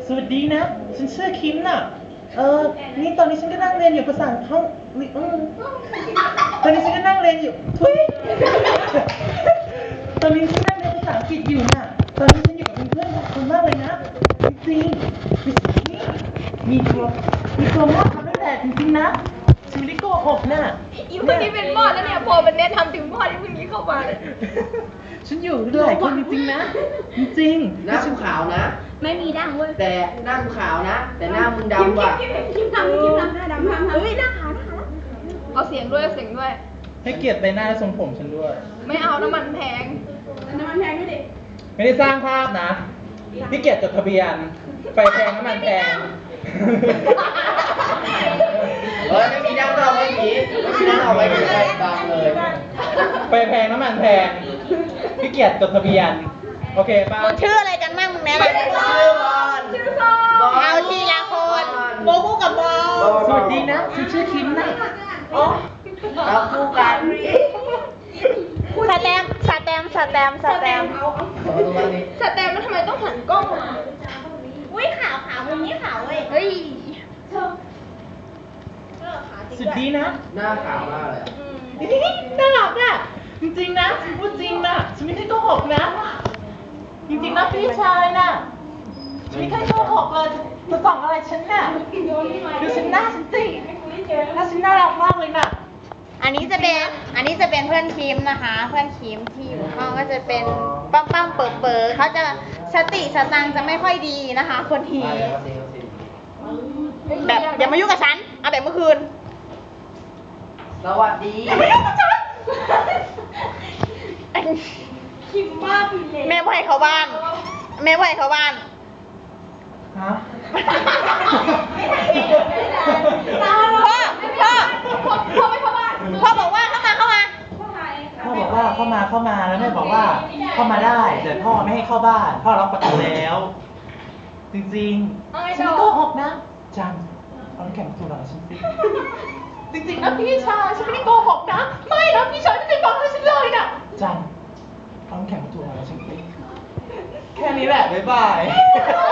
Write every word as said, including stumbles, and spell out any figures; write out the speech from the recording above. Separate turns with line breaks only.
สวัสดีนะฉันชื่อคิมน่ะเออนี่ตอนนี้ฉันก็นั่งเรียนอยู่ภาษาห้องอืมตอนนี้ฉันก็นั่งเรียนอยู่ทุยตอนนี้ฉันนั่งเรียนภาษาอังกฤษอยู่น่ะตอนนี้ฉันอยู่กับเพื่อนๆขอบคุณมากเลยนะจริงๆนี่มีตัวมีตัวมอดทำตั้งแต่จริงๆนะฉันไม่ได้โกหกน่ะ
อีคนนี้เป็นมอดแล้วเนี่ยพอมันแนะนำถึงมอดที่เพิ่งนี้เข้ามาเลย
ฉันอยู่หลายคนจริงๆนะจริงๆ
หน้ากูขาวนะ
ไม่มีด่างเว้ย
แต่หน้ากูขาวนะ แต่หน้ามึงดำว่ะ
คิมทำคิมทำหน้าดำทำเฮ้ยหน้าขาวหน้าขาวเอาเสียงด้วยเอาเสียงด้วย
ให้เกียรติใบหน้าและทรงผมฉันด้วย
ไม่เอาน้ำมันแพงน้ำมันแพงด้วยดิ
ไม่ได้สร้างภาพนะพี่เกียรติจดทะเบียนไฟแพงน้ำมันแพง
เฮ้ยไม่มีดังเราไม่มีไม่มีดังเอาไว้ไม่ได้บางเลย
ไฟแพงน้ำมันแพงพี่เกียรติจดทะเบียนโอเคป่ะ
มึงชื่ออะไรกันบ้างมึงแนะนำ
ชื่อบอล
ชื่อซอ
เอาทีละคนโบกูกับบอล
สวัสดีนะฉันชื่อคิมนะ
อ๋อ
เราคู่กัน
สแตมป์สแตมป์สแตมป์สแตมป์
เอาตรงนี้
สแตมป์แล้วทำไมต้องหันกล้องมา
อุ้ยขาวขาวมึงนี่ขาวเว้ย
เฮ้ย
สวัสดีนะ
หน้าขาวมากเลยอะ
น่ารักอ่ะจริงๆนะฉันพูดจริงนะฉันไม่ได้โกหกนะจริงๆนะพี่ชายน่ะฉันไม่เคยโกหกเลยจะส่องอะไรฉันน่ะดูฉันหน้าฉันสิหน้าฉันน่ารักมากเลยน่ะ
อันนี้จะเป็นอันนี้จะเป็นเพื่อนคิมนะคะ เพื่อนคิมที่อยู่ห้องก็จะเป็นปั้มปั้มเปิดเปิดเขาจะสติสตังค์จะไม่ค่อยดีนะคะ คนที
มาเลยมาสิมาสิ
แบบอย่ามายุ่งกับฉันเอาแบบเมื่อคืน
สวัสดี
คิมมากเลย
แม่บ่ให้เขาบ้าน แม่บ่ให้เขาบ้าน
ฮะ
พ่อพ่อ
พ่อพ่อไม่เข้าบ้าน
พ่อบอกว่าเข้ามาเข้ามา
พ่อบอกว่าเข้ามาเข้ามาแล้วแม่บอกว่าเข้ามาได้แต่พ่อไม่ให้เข้าบ้านพ่อล็อกประตูแล้ว จริงๆฉันไม่โกหกนะจันเอาน้ำแข็งมาถูหลังฉันสิจริงๆนะพี่ชายฉันไม่ได้โกหกนะไม่นะพี่ชายไม่ได้ฟังอะไรฉันเลยนะจันเอาน้ำแข็งมาถูหลังฉันสิแค่นี้แหละบ๊ายบาย